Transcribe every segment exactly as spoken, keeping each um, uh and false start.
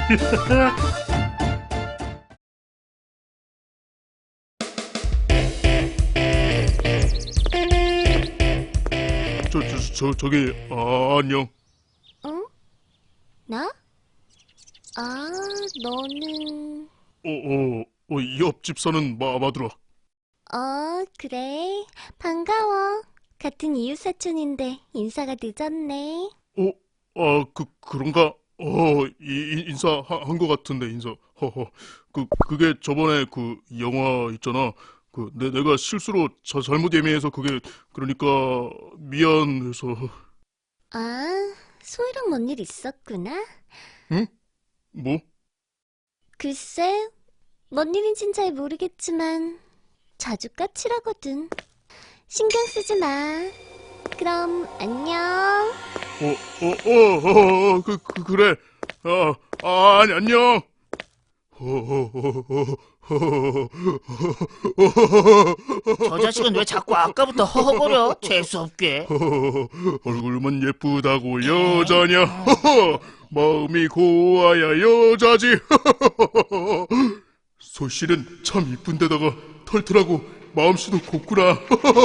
저, 저, 저, 저기, 아, 안녕. 응? 나? 아, 너는... 어, 어, 어, 옆집 사는 마마들아. 어, 그래. 반가워. 같은 이웃사촌인데 인사가 늦었네. 어, 아, 그, 그런가? 어, 이, 인사한 것 같은데, 인사. 허허. 그, 그게 저번에 그 영화 있잖아. 그, 내, 내가 실수로 자, 잘못 예매해서 그게, 그러니까, 미안해서. 아, 소희랑 뭔 일 있었구나? 응? 뭐? 글쎄, 뭔 일인진 잘 모르겠지만 자주 까칠하거든. 신경 쓰지 마. 그럼 안녕. 어, 어, 어, 어, 어, 그, 그, 그래. 아, 아, 아니, 안녕. 저 자식은 왜 자꾸 아까부터 허허거려? 재수없게. 얼굴만 예쁘다고 여자냐? 마음이 고와야 여자지. 소실은 참 이쁜데다가 털털하고 마음씨도 곱구나.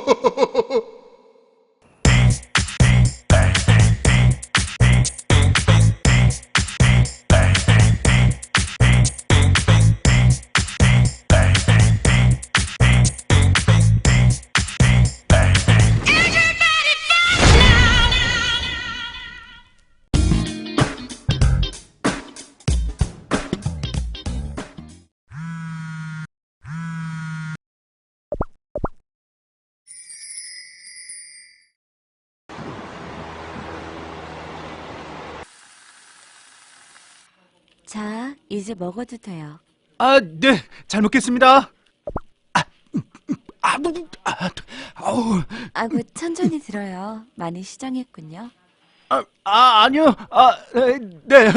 자, 이제 먹어도 돼요. 아, 네, 잘 먹겠습니다. 아, 아, 뭐, 아, 아우, 아구 천천히 들어요. 많이 시장했군요. 아, 아, 아니요, 아, 에, 네,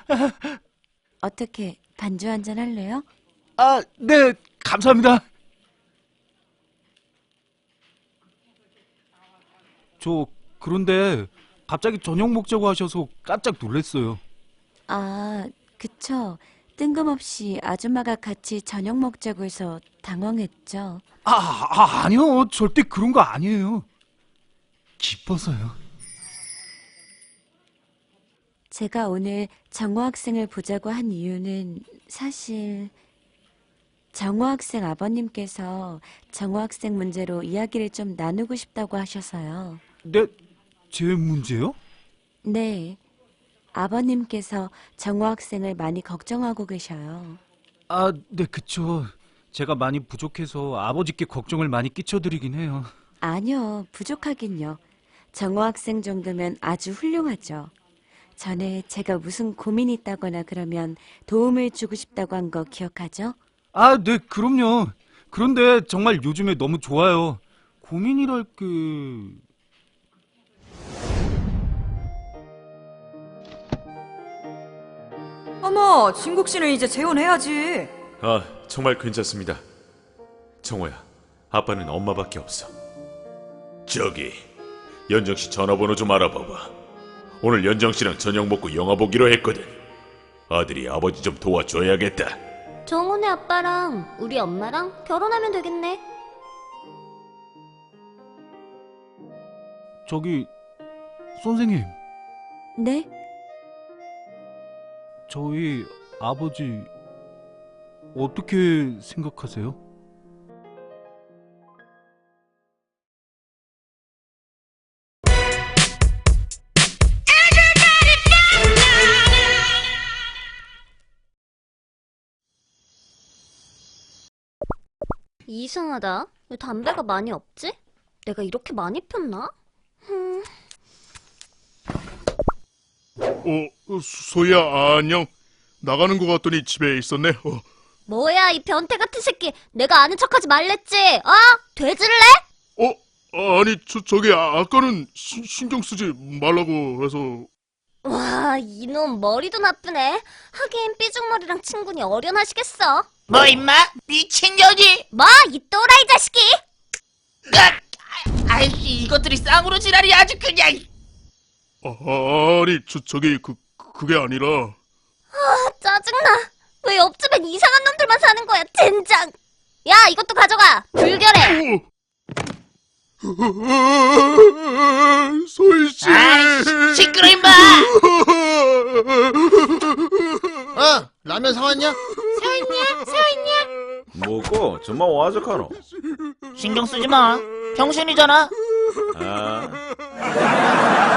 어떻게 반주 한잔 할래요? 아, 네, 감사합니다. 저 그런데 갑자기 저녁 먹자고 하셔서 깜짝 놀랐어요. 아, 그쵸. 뜬금없이 아줌마가 같이 저녁 먹자고 해서 당황했죠. 아, 아, 아니요, 절대 그런 거 아니에요. 기뻐서요. 제가 오늘 정호 학생을 보자고 한 이유는 사실 정호 학생 아버님께서 정호 학생 문제로 이야기를 좀 나누고 싶다고 하셔서요. 네, 제 문제요? 네, 아버님께서 정호 학생을 많이 걱정하고 계셔요. 아, 네, 그쵸. 제가 많이 부족해서 아버지께 걱정을 많이 끼쳐드리긴 해요. 아니요, 부족하긴요. 정호 학생 정도면 아주 훌륭하죠. 전에 제가 무슨 고민이 있다거나 그러면 도움을 주고 싶다고 한 거 기억하죠? 아, 네, 그럼요. 그런데 정말 요즘에 너무 좋아요. 고민이랄 그... 어머, 진국 씨는 이제 재혼해야지. 아, 정말 괜찮습니다. 정호야, 아빠는 엄마밖에 없어. 저기, 연정씨 전화번호 좀 알아봐봐. 오늘 연정씨랑 저녁 먹고 영화 보기로 했거든. 아들이 아버지 좀 도와줘야겠다. 정훈의 아빠랑 우리 엄마랑 결혼하면 되겠네. 저기... 선생님, 네? 저희 아버지 어떻게 생각하세요? 이상하다. 왜 담배가 많이 없지? 내가 이렇게 많이 폈나? 흠. 어, 소희야, 안녕. 나가는 것 같더니 집에 있었네. 어, 뭐야, 이 변태 같은 새끼. 내가 아는 척하지 말랬지. 어? 돼지를래? 어, 아니, 저, 저기, 아, 아까는 시, 신경 쓰지 말라고 해서. 와, 이놈 머리도 나쁘네. 하긴 삐죽머리랑 친구니 어련하시겠어. 뭐 임마? 미친년이? 뭐, 이 또라이 자식이? 으악! 아, 아이씨, 이것들이 쌍으로 지랄이 아주 그냥. 아, 아니, 저, 저기, 그, 그게 아니라. 아, 짜증나. 짜증나. 왜 옆집엔 이상한 놈들만 사는 거야, 젠장. 야, 이것도 가져가. 불결해. 소희씨. 아이, 시끄러, 임마! 어, 라면 사왔냐? 뭐고? 정말 와적하노? 신경 쓰지 마. 병신이잖아. 아,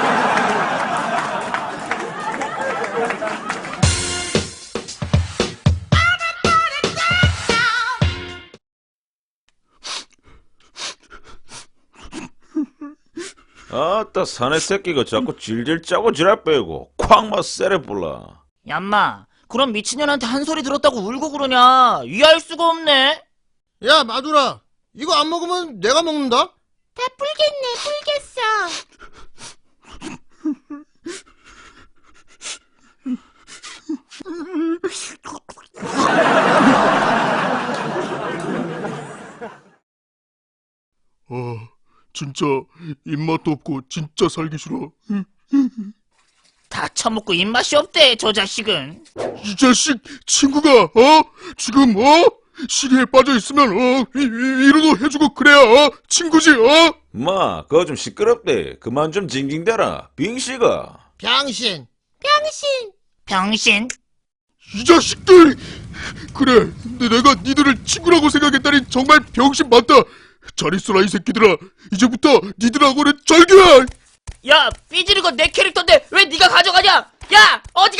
아따 사내 새끼가 자꾸 질질 짜고 지랄 빼고 콱막 세레 불라. 얌마, 그럼 미친년한테 한 소리 들었다고 울고 그러냐? 이해할 수가 없네. 야, 마두라. 이거 안 먹으면 내가 먹는다? 다 불겠네, 불겠어. 아, 진짜 입맛도 없고 진짜 살기 싫어. 다 처먹고 입맛이 없대, 저 자식은. 이 자식 친구가 어 지금 어 시리에 빠져 있으면 어 위, 위, 위로도 해주고 그래야 어 친구지 어. 마, 그거 좀 시끄럽대. 그만 좀 징징대라. 빙씨가. 병신. 병신. 이 자식들! 그래, 내- 내가 니들을 친구라고 생각했다니 정말 병신 맞다. 잘 있어라 이 새끼들아. 이제부터 니들하고는 절교야. 야, 삐지는 건 내 캐릭터인데 왜 네가 가져가냐? 야, 어디가?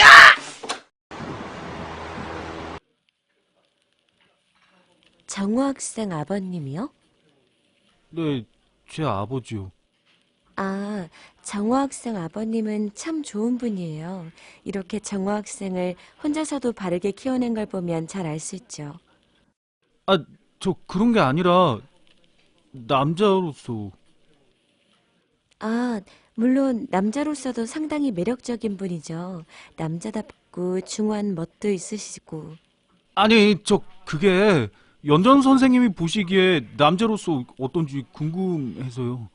정호 학생 아버님이요? 네, 제 아버지요. 아, 정호 학생 아버님은 참 좋은 분이에요. 이렇게 정호 학생을 혼자서도 바르게 키워낸 걸 보면 잘 알 수 있죠. 아, 저 그런 게 아니라 남자로서. 아, 물론 남자로서도 상당히 매력적인 분이죠. 남자답고 중후한 멋도 있으시고. 아니, 저 그게 연전 선생님이 보시기에 남자로서 어떤지 궁금해서요.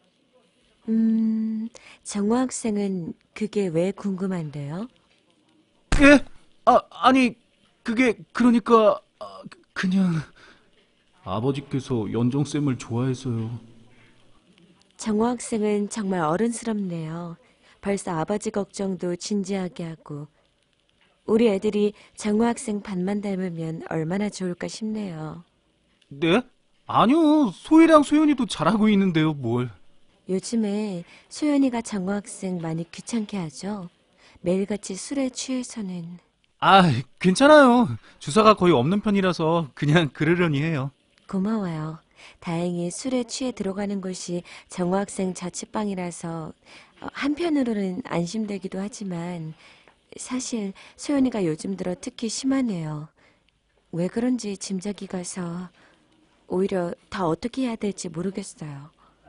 음, 정호 학생은 그게 왜 궁금한데요? 예? 아, 아니, 그게 그러니까 아, 그냥 아버지께서 연정쌤을 좋아해서요. 정호 학생은 정말 어른스럽네요. 벌써 아버지 걱정도 진지하게 하고. 우리 애들이 정호 학생 반만 닮으면 얼마나 좋을까 싶네요. 네? 아니요, 소희랑 소연이도 잘하고 있는데요, 뭘. 요즘에 소연이가 정호 학생 많이 귀찮게 하죠. 매일같이 술에 취해서는. 아, 괜찮아요. 주사가 거의 없는 편이라서 그냥 그러려니 해요. 고마워요. 다행히 술에 취해 들어가는 곳이 정호 학생 자취방이라서 어, 한편으로는 안심되기도 하지만 사실 소연이가 요즘 들어 특히 심하네요. 왜 그런지 짐작이 가서 오히려 다 어떻게 해야 될지 모르겠어요.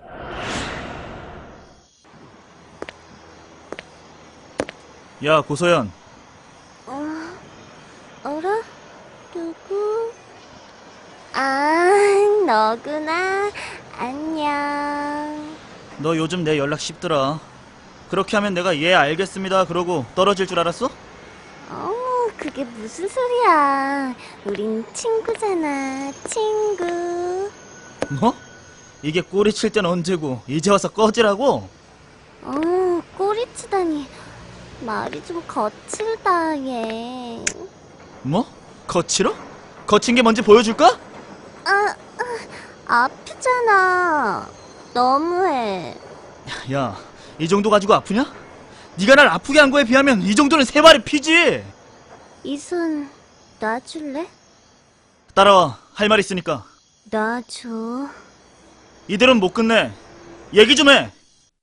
야, 고서연. 어, 어라? 누구? 아, 너구나. 안녕. 너 요즘 내 연락 쉽더라. 그렇게 하면 내가 예 알겠습니다 그러고 떨어질 줄 알았어? 어, 그게 무슨 소리야. 우린 친구잖아, 친구. 뭐? 이게 꼬리 칠 땐 언제고 이제 와서 꺼지라고? 어, 꼬리 치다니. 말이 좀 거칠다, 얘. 뭐? 거칠어? 거친 게 뭔지 보여줄까? 아, 아, 아프잖아. 너무해. 야, 이 정도 가지고 아프냐? 네가 날 아프게 한 거에 비하면 이 정도는 세 마리 피지. 이 손 놔줄래? 따라와, 할 말 있으니까. 놔줘. 이대로는 못 끝내. 얘기 좀 해.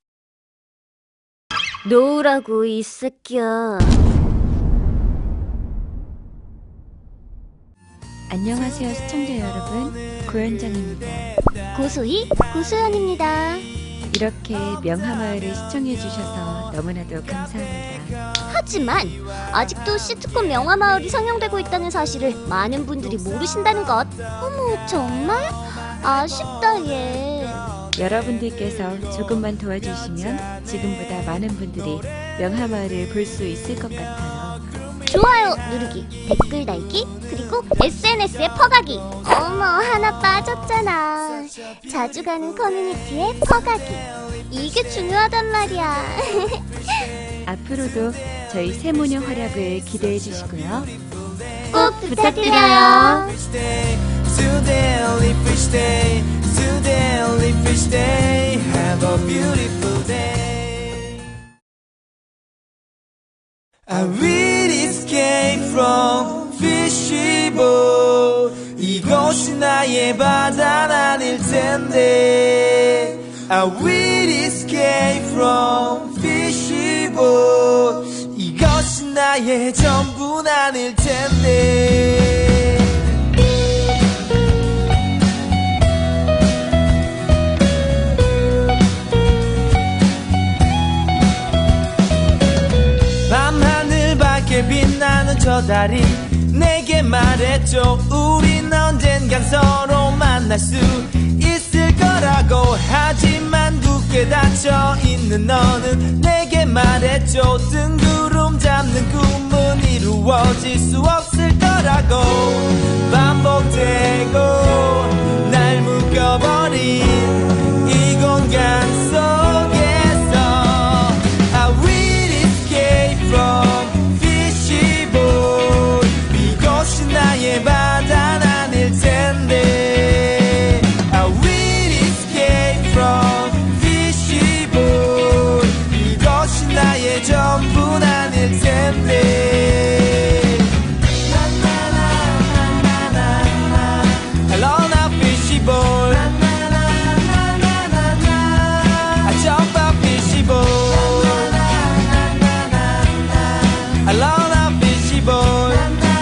놓으라고, 이 새끼야. 안녕하세요, 시청자 여러분. 고현정입니다. 고소희, 고소연입니다. 이렇게 명하마을을 시청해주셔서 너무나도 감사합니다. 하지만 아직도 시트콤 명화마을이 상영되고 있다는 사실을 많은 분들이 모르신다는 것. 어머, 정말? 아쉽다, 얘. 여러분들께서 조금만 도와주시면 지금보다 많은 분들이 명하마을을 볼 수 있을 것 같아요. 좋아요 누르기, 댓글 달기, 그리고 에스엔에스에 퍼가기. 어머, 하나 빠졌잖아. 자주 가는 커뮤니티에 퍼가기. 이게 중요하단 말이야. 앞으로도 저희 세모녀 활약을 기대해 주시고요. 꼭 부탁드려요. Today only fish day, today only fish day. Have a beautiful day. I will escape from fishy bowl. 이곳이 나의 바다는 아닐 텐데. I will escape from fishy bowl. 이것이 나의 전부는 아닐 텐데. 밤하늘 밝게 빛나는 저 달이 내게 말했죠. 우린 언젠간 서로 만날 수 있을 거라고. 하지만 굳게 닫혀있는 너는 내게 말했죠. 뜬구름 잡는 꿈은 이루어질 수 없을 거라고. 반복되고 날 묶어버린 이 공간 속에서 I will escape from fishy bowl. 이곳이 나의 바다는 아닐 텐데. I will escape from fishy bowl. 이것이 나의 전부는 아닐 텐데. Hello now fishy bowl. I jump up fishy bowl. Hello now fishy bowl.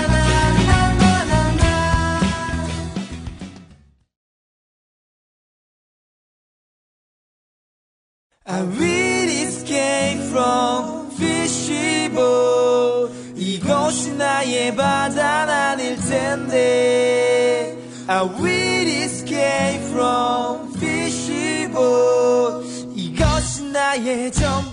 I will escape from fishy bowl. 이곳이 나의 바다는 아닐 텐데. I will escape from fishy bowl. 이것이 나의 전부.